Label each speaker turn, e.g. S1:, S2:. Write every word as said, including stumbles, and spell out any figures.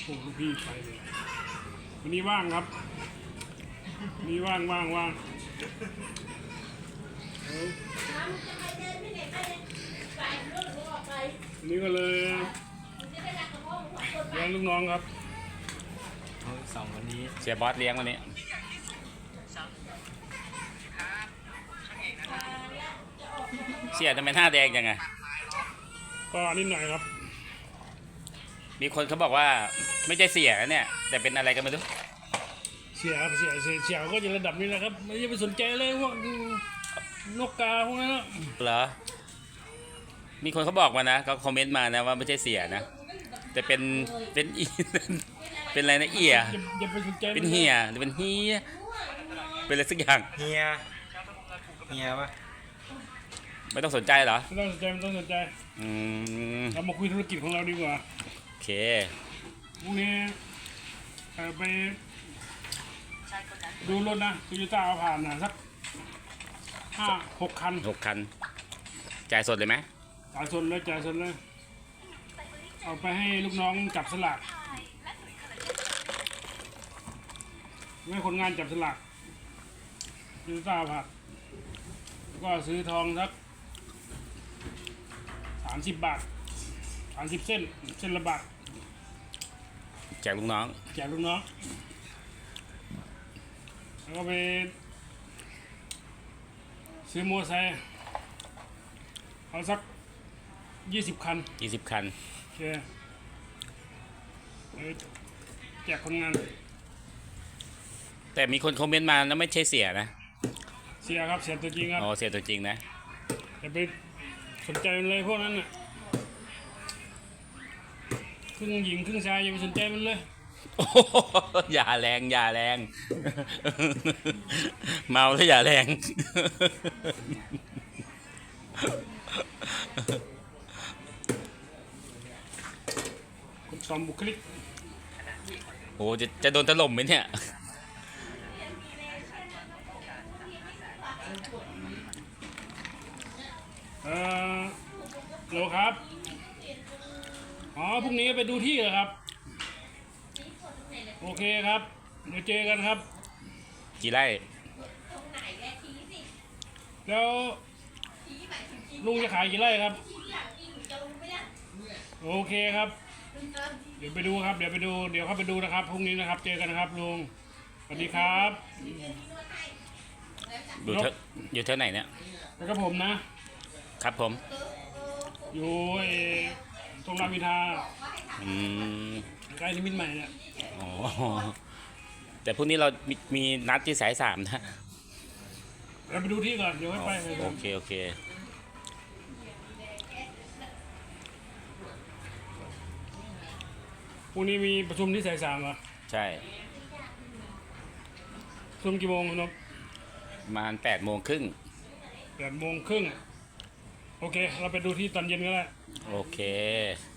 S1: โอ้ลูกพี่ไปเลยวันนี้ว่างครับวันนี้ว่างว่างว่างวันนี้ก็เลยเลี้ยงลูกน้องครับ
S2: สองวันนี้
S3: เสียบอสเลี้ยงวันนี้เสียทำไมหน้าแดงจังไง
S1: ก็นิดหน่อยครับ
S3: มีคนเขาบอกว่าไม่ใช่เสียเนี่ยแต่เป็นอะไรกันไม่รู้
S1: เสียเสียเสียเสียก็จะระดับนี้แหละครับไม่ได้ไปสนใจเลยพวกนกกาพวกนั้นนะ
S3: เหรอมีคนเขาบอกมานะเขาคอมเมนต์มานะว่าไม่ใช่เสียนะแต่เป็นเป็นอีเป็นอะไรนะเอีย
S1: อย่าไปสนใจ
S3: เป็นเฮียหรือเป็นเฮียเป็นอะไรสักอย่าง
S2: เฮียเฮียปะ
S3: ไม่ต้องสนใจเหรอ
S1: ไม่ต้องสนใจไม่ต้องสนใจ
S3: อืม
S1: เรามาคุยธุรกิจของเราดีกว่า
S3: โอเค
S1: พรุ่งนี้ไปดูรถนะโตโยต้าเอาผ่านนะสักห้าหกคัน
S3: หกคันจ่ายสดเลยไหม
S1: จ่ายสดเลยจ่ายสดเลยเอาไปให้ลูกน้องจับสลากให้คนงานจับสลากโตโยต้าผ่านก็ซื้อทองสักสามสิบบาทสามสิบเส้นเส้นละบาท
S3: แจกลูกน้อง
S1: แจกลูกน้องแล้วก็ไปซื้อมอเตอร์ไซค์เอาสักยี่สิบคัน
S3: ยี่สิบคัน
S1: โอเคแจกคนงาน
S3: แต่มีคนคอมเมนต์มาแล้วไม่ใช่เสียนะ
S1: เสียครับเสียตัวจริงครับ
S3: อ๋อเสียตัวจริงนะ
S1: อย่าไปสนใจเลยพวกนั้นน่ะครึ่งหญิงครึ่งชายอย่าไปสนใจมันเลย
S3: อย่าแรงอย่าแรงเมาแล้วอย่าแรง
S1: กดซ้อมบุคลิก
S3: โอ้จะจะโดนถล่มไหมเนี่ย
S1: เออโหลครับอ๋อพรุ่งนี้ไปดูที่เหรอครับโอเคครับเดี๋ยวเจอกันครับ
S3: กี่ไร่
S1: แล้วลุงจะขายกี่ไร่ครับโอเคครับเดี๋ยวไปดูครับเดี๋ยวไปดูเดี๋ยวเข้าไปดูนะครับพรุ่งนี้นะครับเจอกันนะครับลุงสวัสดีครับ
S3: อยู่เท่าอยู่เท่าไหนเนี่ย
S1: แล้วก็ผมนะครับ
S3: ผม
S1: อยู่ตรงรามอินทรา
S3: อืม
S1: ใกล้นิมิตรใหม่เนี่ย
S3: อ๋อแต่พรุ่งนี้เรามีมีนัดที่สายสามนะ
S1: เราไปดูที่ก่อนเดี๋ยวให้ไป
S3: โอเคโอเค
S1: พรุ่งนี้มีประชุมที่สายสามเหรอ
S3: ใช่
S1: ประชุมกี่โมงครับ
S3: ประมาณแปดโมงครึ่ง
S1: แปดโมงครึ่งโอเคเราไปดูที่ตอนเย็นก็ได้
S3: โอเค